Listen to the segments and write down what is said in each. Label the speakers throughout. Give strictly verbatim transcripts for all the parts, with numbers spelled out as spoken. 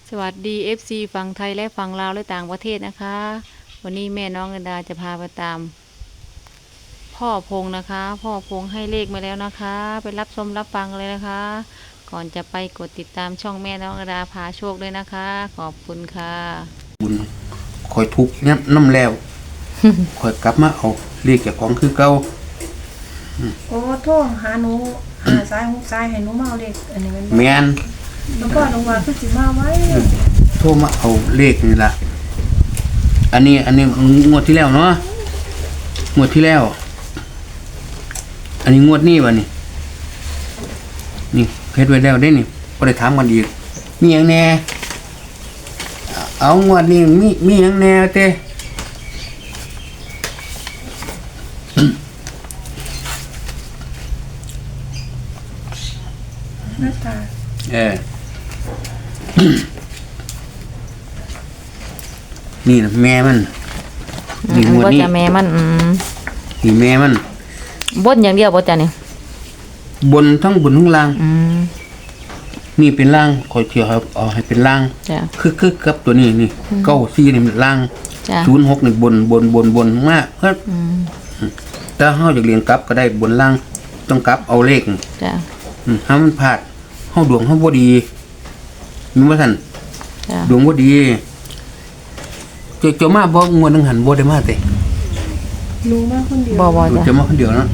Speaker 1: สวัสดี เอฟ ซี ฝั่งไทยและฝั่งลาวและต่างประเทศนะคะ วันนี้แม่น้องกันดาจะพาไปตาม พ่อพงนะคะ พ่อพงให้เลขมาแล้วนะคะ ไปรับชมรับฟังเลยนะคะ ก่อนจะไปกดติดตามช่องแม่น้องกันดาพาโชคด้วยนะคะ ขอบคุณค่ะ
Speaker 2: บุญคอยทุกเนี่ยน้ำแล้ว คอยกลับมาเอาเรียกเจ้าของคือเก่า
Speaker 3: โอ้โทรหาหนูหาสายหูสายให้หนูมาเอาเลขอันนี้มัน
Speaker 2: แมน
Speaker 3: แล้วก็ลงว่าคือสิมาไว้
Speaker 2: โทรมาเอาเลขนี่ล่ะอันนี้อันนี้งวดที่แล้วเนาะงวดที่แล้ว อันนี้งวดนี้วะนี่นี่เฮ็ดไว้แล้วได้นี่บ่ได้ถามกันอีกมีหยังแน่เอางวดนี้มีมีหยังแน่เต้
Speaker 3: หน้าตา
Speaker 2: เออ นี่นะแม่มันนี่งวด
Speaker 1: ก็
Speaker 2: นี้
Speaker 1: จะแม่มันอืม
Speaker 2: นี่แม่มัน
Speaker 1: บนอย่างเดียวบ่จ้ะนี่
Speaker 2: บนทั้งบนทั้งล่าง
Speaker 1: อืม
Speaker 2: นี่เป็นล่างคอยเที่ยวครับเอาให้เป็นล่าง
Speaker 1: จ้ะ
Speaker 2: คือคือกับตัวนี้นี่เก้าสี่นี่เป็นล่าง
Speaker 1: จ้ะ
Speaker 2: ศูนย์หกนี่บนบนบนบนมากเพิ่น
Speaker 1: อืม
Speaker 2: ถ้าเฮาอยากเรียนกลับก็ได้บนล่างต้องกลับเอาเลข
Speaker 1: จ้ะ
Speaker 2: อืมถ้ามันพลาดเฮาดวงเฮาบ่ดีมีว่าซั่น
Speaker 1: จ้ะ
Speaker 2: ดวงบ่ดีเจ้าเจ้ามาบ่งวดนึงหันบ่ได้มาเตะ
Speaker 3: หนูมาคนเดียว
Speaker 1: บ่บ่จ้ะ
Speaker 2: จะมาคนเดียวเนาะ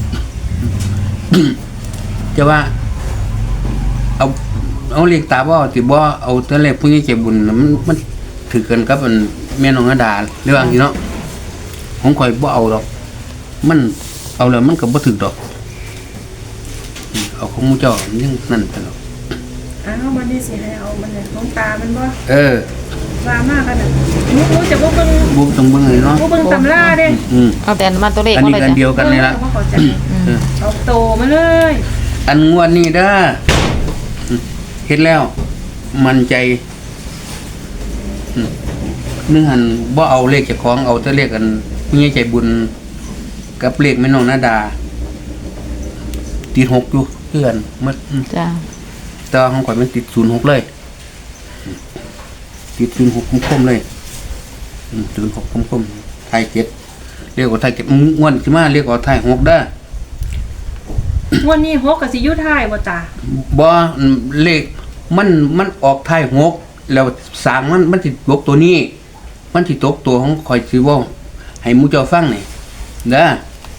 Speaker 2: จะว่า เอาเอาเรียกตาบ่ติบ่เอาแต่แรกผู้ใหญ่ใจบุญน่ะมันมันถือกันกับอันแม่น้องอดาเรื่องนี้เนาะผมข่อยบ่เอาดอก มันเอาแล้วมันก็บ่ถึกดอกอืมเอาของหมู่เจ้ามันยังนั่นไปหรอก
Speaker 3: อ้าวมันนี่สิให้เอามันเนี่ยของตามันบ่
Speaker 2: เออ
Speaker 3: ว่ามากกันน่ะหนูหนูจะบ่เบิ่ง
Speaker 2: บ่ต้องเบิ่งเลยเนาะ
Speaker 3: บ่เบิ่งตำราเด้
Speaker 2: อืม
Speaker 1: เอาแต่มาตัวเลข
Speaker 2: อัน
Speaker 1: มา
Speaker 2: นี้
Speaker 1: เลย
Speaker 2: กัน
Speaker 1: จ้ะ
Speaker 2: เดียวกันนี่ละ
Speaker 3: เออบ่เข้าใจ
Speaker 2: เออ
Speaker 3: เอาโตมาเลย
Speaker 2: อันงวดนี้เด้ออืมเฮ็ดแล้ว มั่นใจอืมนึงหันบ่เอาเลขเจ้าของเอาแต่เลขกันผู้ใหญ่ใจบุญ กับเลขแม่น้องนาดาติดหกอยู่เพื่อนหมดอืม
Speaker 1: จ้ะ
Speaker 2: แต่ว่าของข่อยมันติดศูนย์หกเลยอืมติดศูนย์หกคมๆเลยอืมศูนย์หกคมๆไทยเจ็ดเรียกว่าไทยเจ็ดงวดสิมาเรียกว่าไทยหกเด้อ
Speaker 3: วันนี้หกก็สิอยู่ท้ายบ่ตา
Speaker 2: บ่เลขมันมันออกท้ายหกแล้วสร้างมันมันสิตกตัวนี้ มันสิตกตัวของข่อยสิเว้าให้หมู่เจ้าฟังนี่เด้อ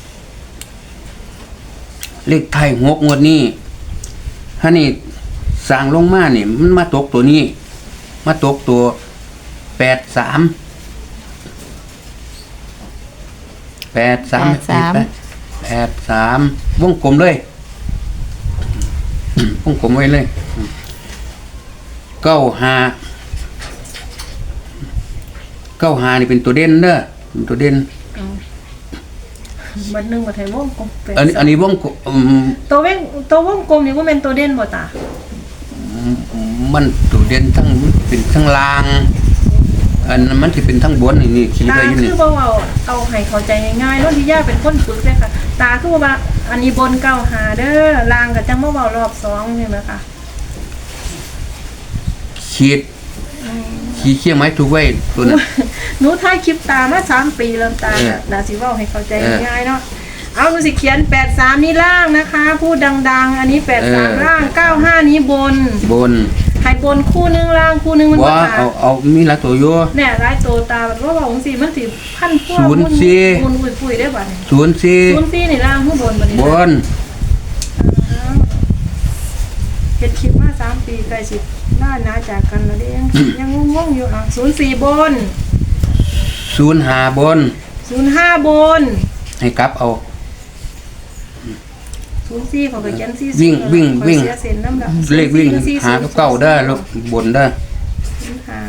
Speaker 2: เลขท้ายหกงวดนี้ถ้านี่สร้างลงมานี่มันมาตกตัวนี้ มาตกตัวแปดสาม แปดสามแปดสามวงกลมเลยวงกลมไว้เลยเก้าห้าเก้าห้านี่เป็นตัวเด่นเด้อเป็นตัวเด่น
Speaker 3: เอาบัดหนึงบ่ให้วงกลมแปด
Speaker 2: อันนี้อันนี้วงกลมอืม
Speaker 3: ตัวเว้งตัววงกลมนี่บ่แม่นตัวเด่นบ่ตา
Speaker 2: มันตัวเด่นทั้งเป็นทั้งล่าง อันนั้นมันสิเป็นทั้งบนนี่นี่ขีด
Speaker 3: ตา
Speaker 2: ไว้อยู่
Speaker 3: คื
Speaker 2: นี่
Speaker 3: อบ่เอาเอาให้เข้าใจง่ายๆโนนที่ย่าเป็นคนฝึกเลยค่ะ ตาคือว่าอันนี้บนเก้าหาเด้อลางก็จังมาเว้ารอบสองใช่ไหมคะ
Speaker 2: ขีดขีดเขี้ยไม้ถูกไว้ตัวนั้น
Speaker 3: หนูถ่ายคลิปตามาสามปีแล้วตา
Speaker 2: เออ
Speaker 3: น่าสิเว้าให้เข้าใจ
Speaker 2: เออ
Speaker 3: ง่ายๆเนาะเอาหนูสิเขียนแปดสามนี่ล่างนะคะพูดดังๆ อันนี้แปดสาม
Speaker 2: เออ
Speaker 3: ล่างเก้าห้านี้บน
Speaker 2: บน
Speaker 3: ให้บนคู่หนึงล่างคู่หนึงมัน
Speaker 2: ว่า
Speaker 3: บ่ตา
Speaker 2: เอาเอามีหลายตัวอยู่
Speaker 3: แน่ร้ายโตตาแบบว่าบอกจังซี่มันสิพันพวก
Speaker 2: ศูนย์สี่
Speaker 3: มุนปุยๆได้บัดนี้
Speaker 2: ศูนย์สี่
Speaker 3: ศูนย์สี่นี่ล่างข้างบนบัดนี้
Speaker 2: บ
Speaker 3: นะ
Speaker 2: น
Speaker 3: เฮ็ดคลิปมาสามปีใกล้สิล่าหนาจากกันแล้วเด้ยังยังงงๆอยู่อ่ะศูนย์สี่บน
Speaker 2: ศูนย์ห้าบน
Speaker 3: ศูนย์ห้าบน
Speaker 2: ให้กลับเอา
Speaker 3: ศูนย์สี่เขาก็เขียนสี่
Speaker 2: วิ่งวิ่งวิ่ง
Speaker 3: เสียเส้นน้ำดอก
Speaker 2: เลขวิ่ง
Speaker 3: สี่
Speaker 2: หากับเก้าได้แล้วบนได้
Speaker 3: ศูนย์ห้า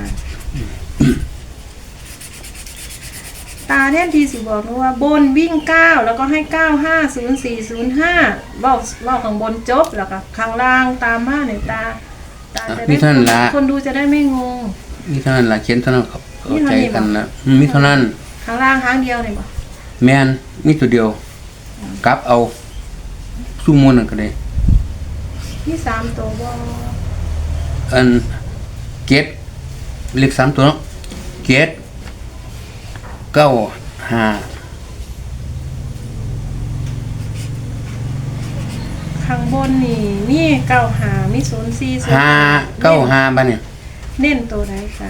Speaker 3: ตาแทนทีสิบอกนะว่าบนวิ่งเก้าแล้วก็ให้เก้าห้าศูนย์สี่ศูนย์ห้าเว้าเว้าข้างบนจบแล้วก็ข้างล่างตามมาเนี่ยตาตาจะ
Speaker 2: มี
Speaker 3: ได้
Speaker 2: เท่านั้นละ
Speaker 3: คนดูจะได้ไม่งง
Speaker 2: มีเท่านั้นละเขียนเท่านั้นเข้า
Speaker 3: มี
Speaker 2: เข้า
Speaker 3: เท่า
Speaker 2: ใจ
Speaker 3: นี้
Speaker 2: กัน
Speaker 3: บ่
Speaker 2: นะมีเท่านั้น
Speaker 3: ข้างล่างครั้งเดียวเลยบ่
Speaker 2: แมนมีตัวเดียวกลับเอาสู้มวนนั่นก็ได้
Speaker 3: ที่สามตัวบ่
Speaker 2: อันเกตเลขสามตัวเนาะเกตเก้าห้า
Speaker 3: ข้างบนนี่มีเก้าหามีศูนย์สี่ศูนย์
Speaker 2: ห้าเก้าห้าบ้านเนี่ย
Speaker 3: เน้นตัวไหนค่ะ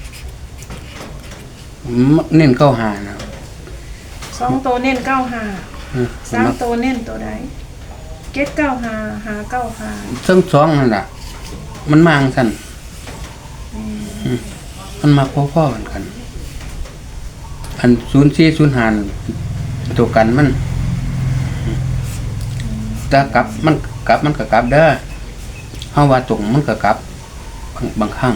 Speaker 2: เน้นเก้าห้านะ
Speaker 3: สองตัวเน้นเก้าหา
Speaker 2: อืม
Speaker 3: สามตัวเน้นตัวไหนเก็ดเก้าหาหาเก้าหา
Speaker 2: ทั้งสองนั่นแหละมันมาจั่งสั่นอืมมันมาพ่อๆกันกัน อันศูนย์สี่ศูนย์ห้าตัวกันมันแต่กลับมันกลับมันก็กลับเด้อเฮาว่าตรงมันก็กลับบางบางครั้ง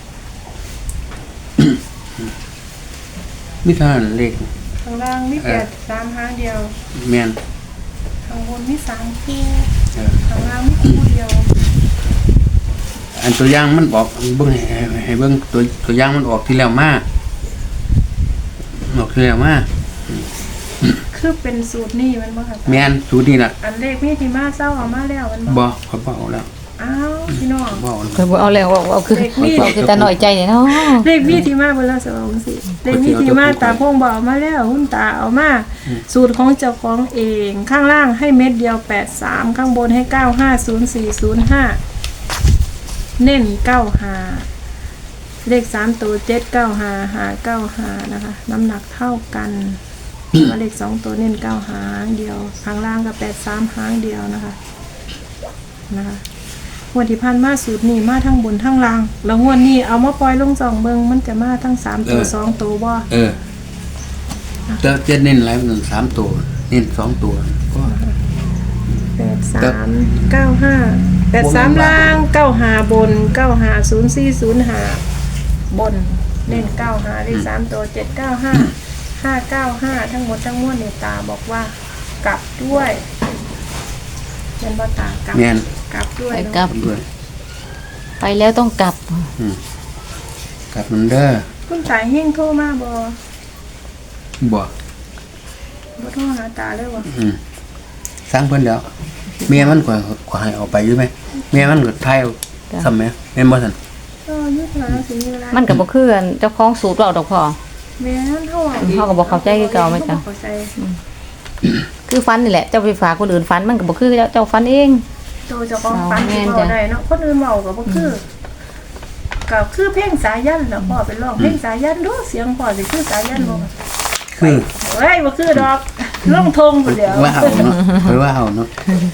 Speaker 2: มีเท่านั้นเลข
Speaker 3: ข้างล่างมี
Speaker 2: เอ
Speaker 3: แป
Speaker 2: อ
Speaker 3: ดสามหางเดียว
Speaker 2: แม่น
Speaker 3: ข้างบนมีสามคู่
Speaker 2: เออ
Speaker 3: ข้างล่างมีคู่เดียว
Speaker 2: อันตัวอย่างมันออกเบิ่งให้ให้ให้เบิ่งตัวตัวอย่างมันออกที่แล้วมาออกที่แล้วมา
Speaker 3: คือเป็นสูตรนี่มันบ่ค่ะ
Speaker 2: แม่นสูตรนี้ล่ะ
Speaker 3: อันเลขมีที่มาเศร้าเอามาแล้วมัน
Speaker 2: บ่ขอยบ่เอาแล้ว
Speaker 3: อ้าวพี่น้อง
Speaker 2: บ่เอาแล้ว
Speaker 1: เคยบอกเอาแล้วว่าเอาคือ
Speaker 3: เด็กนี่
Speaker 1: เอาคือตาหน่อยใจเนี่ยเนาะ
Speaker 3: เลขมีที่มาเบิ่แล้วสองสิเลขมีที่มาตาพงบอกมาแล้วหุ้นตาเอามาสูตรของเจ้าของเองข้างล่างให้เม็ดเดียวแปดสามข้างบนให้เก้าห้าศูนย์สี่ศูนย์ห้าเน้นเก้าห้าเลขสามตัวเจ็ดเก้าห้าหาเก้าห้านะคะ น้ำหนักเท่ากันว่าเลขสองตัวเน้นเก้าหางเดียวข้างล่างกับแปดสามหางเดียวนะคะนะคะงวดที่ผ่านมาสูตรนี้มาทั้งบนทั้งล่างแล้วงวดนี้เอามาปล่อยลงสองเบิงมันจะมาทั้งสามตัวสองตัวบ่
Speaker 2: เออแต่จะเน้นหลายมันสามตัวเน้นสองตัวก็
Speaker 3: แปดสามเก้าห้าแปดสามล่างเก้าหาบนเก้าหาศูนย์สี่ศูนย์หาบนเน้นเก้าหาเลขสามตัวเจ็ดเก้าห้าห้าเก้าห้าทั้งหมดทั้งมวลเนี่ยตาบอกว่ากลับด้วยเป็นบ่ตากลับ
Speaker 2: แม่น
Speaker 3: กลับด้วย
Speaker 1: ไป
Speaker 3: เนาะ
Speaker 1: กลับ
Speaker 2: ด้วย
Speaker 1: ไปแล้วต้องกลับ
Speaker 2: อืมกลับมันเด้อ
Speaker 3: คุณสายเฮงโทรมาบ่
Speaker 2: บ่
Speaker 3: บ่โทรหาตาเลยวะ
Speaker 2: อืมสร้างเพิ่นแล้วเมียมันก็ก็ให้เอาไปอยู่ไหมเมียมันก็ทายเอา
Speaker 1: จ้ะ
Speaker 2: ซ้ำไหมแม่นบ่ซั่น
Speaker 3: เออยุทธนาสิมีเวลา
Speaker 1: มันก็บ่คือกันเจ้าของสูตรเราดอกพ่อ
Speaker 3: แม่นเฮาอ่ะ
Speaker 1: เฮาก็บ่เข้าใจคือเก่าไหมจ๊ะ
Speaker 3: เขบ่เข้าใจ
Speaker 1: คือฟันนี่แหละเจ้าไปฝากคนอื่นฟันมันก็บ่คือเจ้าเจ้าฟันเอง
Speaker 3: ตัวเจ้าของฝัน
Speaker 1: เอาแม่
Speaker 3: ที่
Speaker 1: น
Speaker 3: เว้า
Speaker 1: จ้ะ
Speaker 3: ได้เนาะคนอื่นเว้าก็บ่คือก็คือเพลงสายันน่ะพ่อไปร้องเพลงสายันดูเสียงพ่อสิคือสายันบ่
Speaker 2: คือ
Speaker 3: เฮ้ยบ่คือดอกลงทงพุ่นเดียว
Speaker 2: ว่าเอาเนาะเพิ่นว่าเอาเนาะ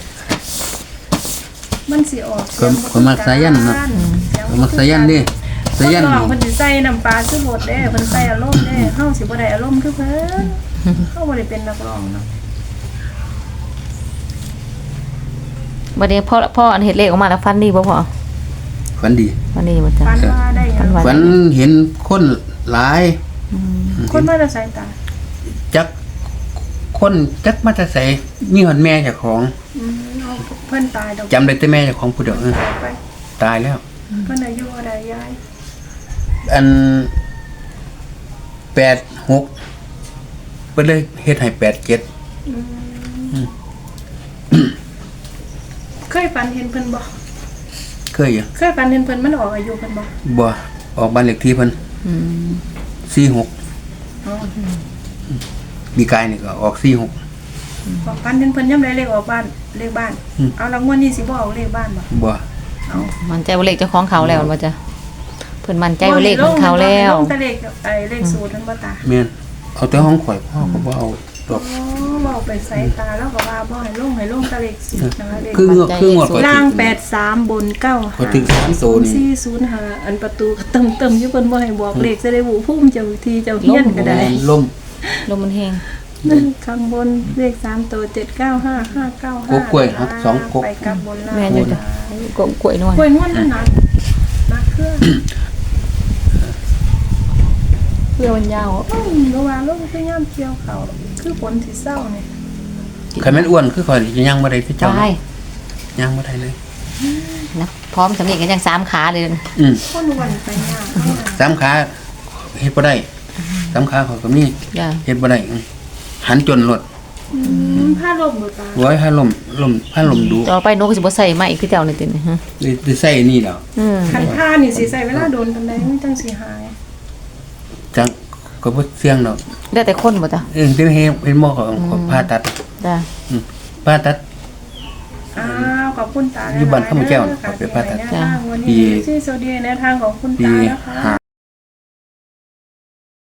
Speaker 3: มันสิออก
Speaker 2: คนคนมักสายันเนาะ มันมักสายันดิสายัน
Speaker 3: คนร้องเพิ่นสิใส่น้ำปลาคือรสเด้เพิ่นใส่อารมณ์เด้เฮาสิบ่ได้อารมณ์คือเพิ่นเฮาบ่ได้เป็นนักร้องเนาะ
Speaker 1: บัดนี้พ่อพ่ออันเฮ็ดเลขออกมาแล้วฟันดีบ่พ่อ
Speaker 2: ฝันดี
Speaker 1: ฟันดีบ่จ้ะ
Speaker 3: ฝันว่าได้หยัง
Speaker 1: ฝั
Speaker 2: ฝันเห็นคนหลาย
Speaker 3: คนมาแต่สายตา
Speaker 2: จักคนจักมาแต่ไสมีหอนแม่เจ้าของ
Speaker 3: อืมเอาเพิ่นตายดอก
Speaker 2: จำได้แต่แม่เจ้าของผู้เดียวเออ
Speaker 3: ตายไป
Speaker 2: ตายแล้ว
Speaker 3: เพิ่นอายุเท่าใดยาย
Speaker 2: อันแปดหกเพิ่นเลยเฮ็ดให้แปดเจ็ด
Speaker 3: อืมเคยฝันเห็นเพิ่นบ่
Speaker 2: เคยอยู่
Speaker 3: เคยฝันเห็นเพิ่นมันออกอายุเพิ่นบ่
Speaker 2: บ่ออกบ้านเลขที่เพิ่น
Speaker 1: อืม
Speaker 2: สี่หก
Speaker 3: อ๋อ
Speaker 2: มีกายนี่ก็ออกสี่หก
Speaker 3: บอกฝันเห็นเพิ่นยามใดเลขออกบ้านเลขบ้าน
Speaker 2: อืม
Speaker 3: เอารางวัลนี้สิบ่เอาเลขบ้านบ่
Speaker 2: บ่
Speaker 3: เอา
Speaker 1: มันใจว่าเลขเจ้าของเขาแล้วว่าจ้ะเพิ่นมั่นใจว่าเลขของเขาแล้ว
Speaker 3: ลงแต่เลขไอ้เลขสูตรมันบ่ตา
Speaker 2: แม่นเอาแต่ห้องข่อยพ่อก็บ่เอาดอก
Speaker 3: อ๋อบอกไปใส่ตาแล้วก็ว่าบ่ให้ลงให้ลงแต่เลขสูตรนะคะเลข
Speaker 2: คืองวดคืองวดข่อย
Speaker 3: ล่าง
Speaker 2: ถึ
Speaker 3: แปดสามบนเก้า
Speaker 2: ข่อยถึงสามตัวนี่
Speaker 3: สี่ศูนย์ห้าอันประตูก็เติมเติมอยู่เพิ่นบ่ให้บอกเลขจะได้บูพุ่มเจ้าทีเจ้าเฮียนก็ได้
Speaker 2: ล่ม
Speaker 1: ลมมันแห้ง
Speaker 3: นั่นข้างบนเลขสามตัวเจ็ดเก้าห้าห้าเก้าห้าก
Speaker 2: กล้วยหักสองกก
Speaker 3: ไปกับบนล่าง
Speaker 1: แม่นอยู่จ้ะกกล้วยนวล
Speaker 3: กล้วยนวลนั่นนะนักเครื่อง
Speaker 1: เพื่อมันยาว
Speaker 3: อืมระหว่างลงคือย่ำเกี่ยวเขาคือฝนสิเศร้าเนี่ย
Speaker 2: คันแม่นอ้วนคือข่อยสิย่างบ่ได้คือเจ้า
Speaker 1: ได้
Speaker 2: ย่างบ่ได้เลย
Speaker 1: นะพร้อมสำเร็จกันยังสามขาเลย
Speaker 2: อืม
Speaker 3: คนวันไปยาก
Speaker 2: สามขาเฮ็ดบ่ได้สามขาข่อยก็มี
Speaker 1: จ้ะ
Speaker 2: เฮ็ดบ่ได้อืมหันจนรถ
Speaker 3: อืมผ้าลมบ่ตา
Speaker 2: ไว้ให้ลมลมให้ลมดู
Speaker 1: ต่อไปหนูก็สิบ่ใส่ไม้อีกคือเจ้านี่ติเนี่ยฮะ
Speaker 2: ได้ได้ใส่นี่แล้ว
Speaker 1: อืม
Speaker 3: คันผ้านี่สิใส่เวลาโดนปานใดมันจังสิหาย
Speaker 2: จังก็บ่เสี่ยงดอก
Speaker 1: แล้วแต่คนบ่จ้ะ
Speaker 2: เออที่เฮ็ดเป็นหมอของของผ่าตัด
Speaker 1: จ้ะ
Speaker 2: อืมผ่าตัด
Speaker 3: อ้าวขอบคุณตา
Speaker 2: อยู่บ้านข้าวแก้วน่ะขอบคุณป้าตา
Speaker 3: จ้าวันนี้ที่สวัสดีในทางของคุณ
Speaker 2: ปี
Speaker 3: ตานะคะ
Speaker 2: ห้า